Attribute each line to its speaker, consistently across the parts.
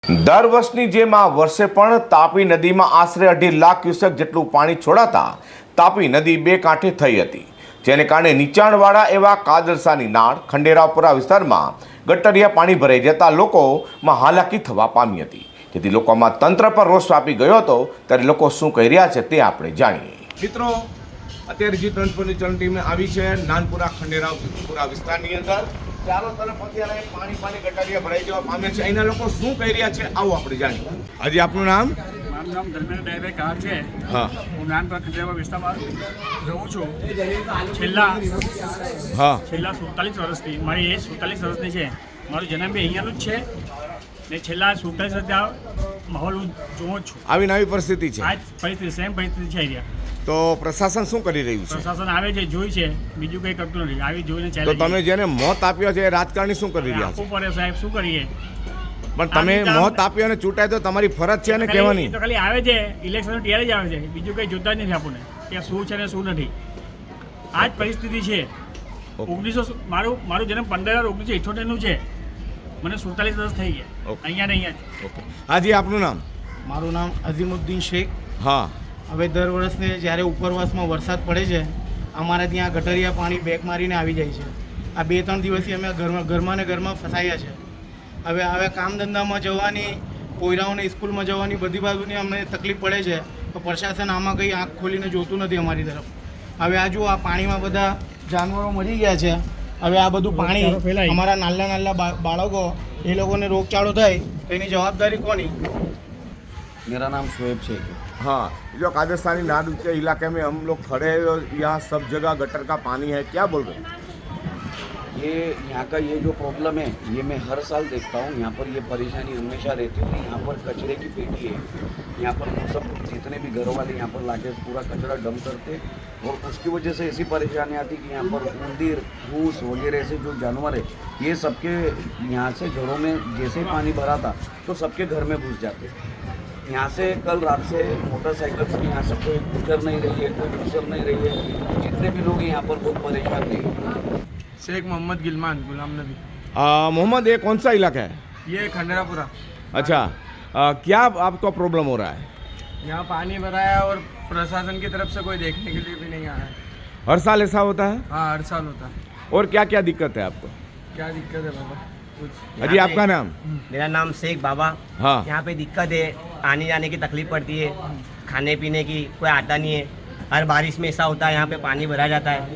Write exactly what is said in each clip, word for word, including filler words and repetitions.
Speaker 1: દર વર્ષની જેમ આ વર્ષે પણ તાપી નદીમાં આશરે અઢી લાખ ક્યુસેક જેટલું પાણી છોડાતા તાપી નદી બે કાંઠે થઈ હતી, જેને કારણે નીચાણવાળા એવા કાદરસાની નાળ ખંડેરાવપુરા વિસ્તારમાં ગટરિયા પાણી ભરાઈ જતા લોકોમાં હાલાકી થવા પામી હતી, જેથી લોકોમાં તંત્ર પર રોષ વ્યાપી ગયો હતો। ત્યારે લોકો શું કહી રહ્યા છે તે આપણે જાણીએ। મિત્રો, અત્યારે જી ટ્વેન્ટી ચલણ ટીમ આવી છે નાનપુરા ખંડેરાવપુરા વિસ્તારની અંદર। ચાલો તરફ અત્યારે પાણી પાણી ગટરિયા ભરાઈ જવા પામે છે, અહીંના લોકો શું કહી રહ્યા છે આવો આપણે જાણીએ। હજી આપનું નામ?
Speaker 2: મારું નામ ધર્મેન્દ્ર ડાયભાઈ કાર છે।
Speaker 1: હા,
Speaker 2: હું નાનપુરા ખંડેરાવ વિસ્તારમાં રહું છું। છેલ્લા
Speaker 1: હા
Speaker 2: છેલ્લા સુડતાલીસ વર્ષથી મારી એજ સુડતાલીસ વર્ષની છે। મારો જન્મ બી અહીંયાનું જ છે ને છેલ્લા સુડતાલીસ વર્ષથી આ માહોલ હું જોઉં જ છું।
Speaker 1: આવી નવી પરિસ્થિતિ છે,
Speaker 2: આ જ પરિસ્થિતિ સેમ પરિસ્થિતિ છે અહીંયા।
Speaker 1: તો પ્રશાસન શું કરી રહ્યું છે?
Speaker 2: પ્રશાસન આવે છે, જોઈ છે, બીજું કંઈ કરતું નથી। આવી જોઈને
Speaker 1: તો
Speaker 2: ચાલે।
Speaker 1: તમે જેને મોત આપ્યો છે એ રાજકારણી શું કરી રહ્યા છે?
Speaker 2: આપવું પડે સાહેબ, શું કરીએ?
Speaker 1: પણ તમે મોત આપ્યો અને ચૂંટાય તો તમારી ફરજ છે ને કહેવાની।
Speaker 2: તો ખાલી આવે છે ઇલેક્શન ત્યારે જ આવે છે, બીજું કંઈ જોતા જ નથી આપણને કે શું છે ને શું નથી। આ જ પરિસ્થિતિ છે। ઓગણીસો મારું મારું જન્મ પંદર હજાર ઓગણીસો ઇઠ્યોતેરનું છે, મને સુડતાલીસ વર્ષ થઈ ગયા અહીંયા ને અહીંયા જ।
Speaker 1: હાજી આપનું નામ?
Speaker 3: મારું નામ અઝીમુદ્દીન શેખ।
Speaker 1: હા,
Speaker 3: હવે દર વર્ષને જ્યારે ઉપરવાસમાં વરસાદ પડે છે, અમારે ત્યાં ગટરિયા પાણી બેક મારીને આવી જાય છે। આ બે ત્રણ દિવસથી અમે ઘરમાં ઘરમાં ને ઘરમાં ફસાયા છે। હવે હવે કામ ધંધામાં જવાની, પોયરાઓને સ્કૂલમાં જવાની બધી બાજુની અમને તકલીફ પડે છે, તો પ્રશાસન આમાં કંઈ આંખ ખોલીને જોતું નથી અમારી તરફ। હવે આ જુઓ, આ પાણીમાં બધા જાનવરો મરી ગયા છે। હવે આ બધું પાણી અમારા નાના નાના બાળકો, એ લોકોને રોગચાળો થાય તો એની જવાબદારી કોની?
Speaker 4: मेरा नाम शोएब शेख है।
Speaker 1: हाँ, जो कादरसानी नाद के इलाके में हम लोग खड़े हैं, यहाँ सब जगह गटर का पानी है, क्या बोल रहे हैं?
Speaker 4: ये यहाँ का ये जो प्रॉब्लम है ये मैं हर साल देखता हूँ। यहाँ पर ये परेशानी हमेशा रहती है। यहाँ पर कचरे की पेटी है, यहाँ पर सब जितने भी घरों वाले यहाँ पर लाके पूरा कचरा डंप करते, और उसकी वजह से ऐसी परेशानी आती कि यहाँ पर उंदीर, भूस वगैरह से जो जानवर है ये सबके यहाँ से घरों में जैसे पानी भरा था तो सबके घर में घुस जाते। यहाँ से कल रात से मोटरसाइकिल से यहाँ से कोई गुजर नहीं रही है, कोई गुजर नहीं रही है। जितने भी लोग यहाँ पर बहुत परेशान थे।
Speaker 3: शेख मोहम्मद गिलमान गुलाम नबी।
Speaker 1: मोहम्मद, ये कौन सा इलाका है?
Speaker 3: ये खंडरापुरा।
Speaker 1: अच्छा, आ, क्या आपको प्रॉब्लम हो रहा है?
Speaker 3: यहाँ पानी भरा है और प्रशासन की तरफ से कोई देखने के लिए भी नहीं आया है।
Speaker 1: हर साल ऐसा होता है?
Speaker 3: हाँ, हर साल होता है।
Speaker 1: और क्या क्या दिक्कत है आपको?
Speaker 3: क्या दिक्कत है बाबा? कुछ
Speaker 1: अजी आपका नाम?
Speaker 5: मेरा नाम शेख बाबा।
Speaker 1: हाँ,
Speaker 5: यहाँ पे दिक्कत है, आने जाने की तकलीफ पड़ती है, खाने पीने की कोई आता नहीं है। हर बारिश में ऐसा होता है, यहाँ पे पानी भरा जाता है।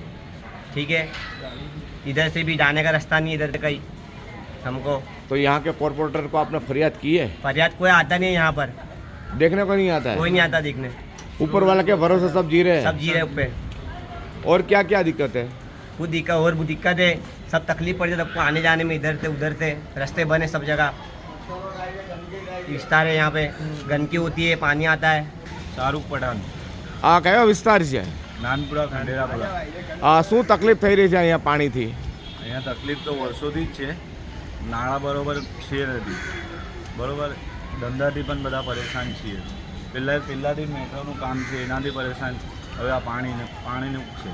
Speaker 5: ठीक है, इधर से भी जाने का रास्ता नहीं है, इधर से कहीं हमको।
Speaker 1: तो यहाँ के कॉर्पोरेटर को आपने फरियाद की है?
Speaker 5: फरियाद कोई आता नहीं है यहाँ पर,
Speaker 1: देखने को नहीं आता
Speaker 5: कोई
Speaker 1: है?
Speaker 5: नहीं आता देखने।
Speaker 1: ऊपर वाला के भरोसे सब जी रहे
Speaker 5: सब
Speaker 1: हैं?
Speaker 5: जी रहे पे।
Speaker 1: और क्या क्या दिक्कत है?
Speaker 5: वो दिक्कत और वो दिक्कत है, सब तकलीफ पड़ती है सबको आने जाने में, इधर से उधर से रास्ते बने सब जगह, विस्तार है यहाँ पे, गंदगी होती है, पानी आता है।
Speaker 2: શાહરૂખ પઠાણ,
Speaker 1: આ કયો વિસ્તાર છે?
Speaker 2: નાનપુરા ખંડેરાપુરા।
Speaker 1: આ શું તકલીફ થઈ રહી છે અહીંયા પાણીથી?
Speaker 6: અહીંયા તકલીફ તો વર્ષોથી જ છે। નાણાં બરોબર છે નથી, બરોબર ધંધાથી પણ બધા પરેશાન છીએ। પહેલાં પહેલાંથી મેટ્રોનું કામ છે એનાથી પરેશાન, હવે આ પાણીને પાણીનું છે।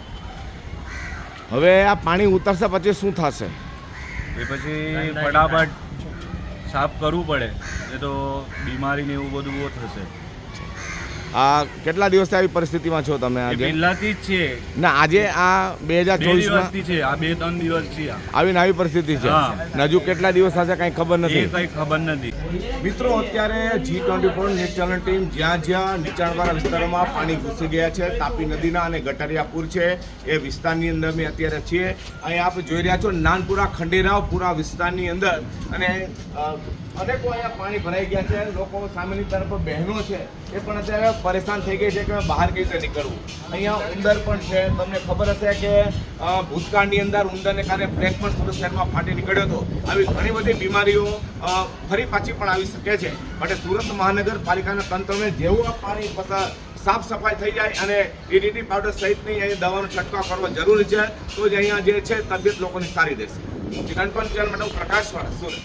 Speaker 1: હવે આ પાણી ઉતરશે પછી શું થશે?
Speaker 6: એ પછી ફટાફટ સાફ કરવું પડે, એ તો બીમારી ને એવું બધું બહુ થશે।
Speaker 1: આ કેટલા દિવસથી આવી પરિસ્થિતિમાં છો તમે?
Speaker 6: એ
Speaker 1: આજે
Speaker 6: પહેલાંથી જ છે,
Speaker 1: ના, આજે આ બે હજાર
Speaker 6: બે
Speaker 1: ચોવીસમાં
Speaker 6: દિવસથી છે, આ બે ત્રણ દિવસ છે આ।
Speaker 1: આવી આવી પરિસ્થિતિ છે
Speaker 6: હા।
Speaker 1: ને હજુ કેટલા દિવસ થશે કંઈ ખબર
Speaker 6: એ
Speaker 1: નથી।
Speaker 6: કંઈ ખબર નથી।
Speaker 1: મિત્રો, અત્યારે G twenty four news channel team જ્યાં જ્યાં નીચાણવાળા વિસ્તારોમાં પાણી ઘૂસી ગયા છે, તાપી નદીના અને ગટરિયાપુર છે એ વિસ્તારની અંદર અમે અત્યારે છીએ। અહીંયા આપ જોઈ રહ્યા છો નાનપુરા ખંડેરાવપુરા વિસ્તારની અંદર, અને અ, અનેકો અહીંયા પાણી ભરાઈ ગયા છે। લોકો સામેની તરફ બહેનો છે એ પણ અત્યારે પરેશાન થઈ ગઈ છે કે બહાર કઈ રીતે નીકળવું। અહીંયા ઉંદર પણ છે, તમને ખબર હશે કે અ, ભૂતકાળની અંદર ઉંદરને કારણે પ્લેગ પણ સુરત શહેરમાં ફાટી નીકળ્યો હતો। આવી ઘણી બધી બીમારીઓ અ, ફરી પાછી પણ આવી શકે છે। માટે સુરત મહાનગરપાલિકાના તંત્રને જેવું આ પાણી પસાર સાફ સફાઈ થઈ જાય અને ઈડીટી પાવડર સહિતની અહીં દવાનો છંટકાવ કરવો જરૂરી છે, તો જ અહીંયા જે છે તબિયત લોકોની સારી રહેશે। ગણપત ચેનલ માટે હું પ્રકાશ વાળા, સુરત।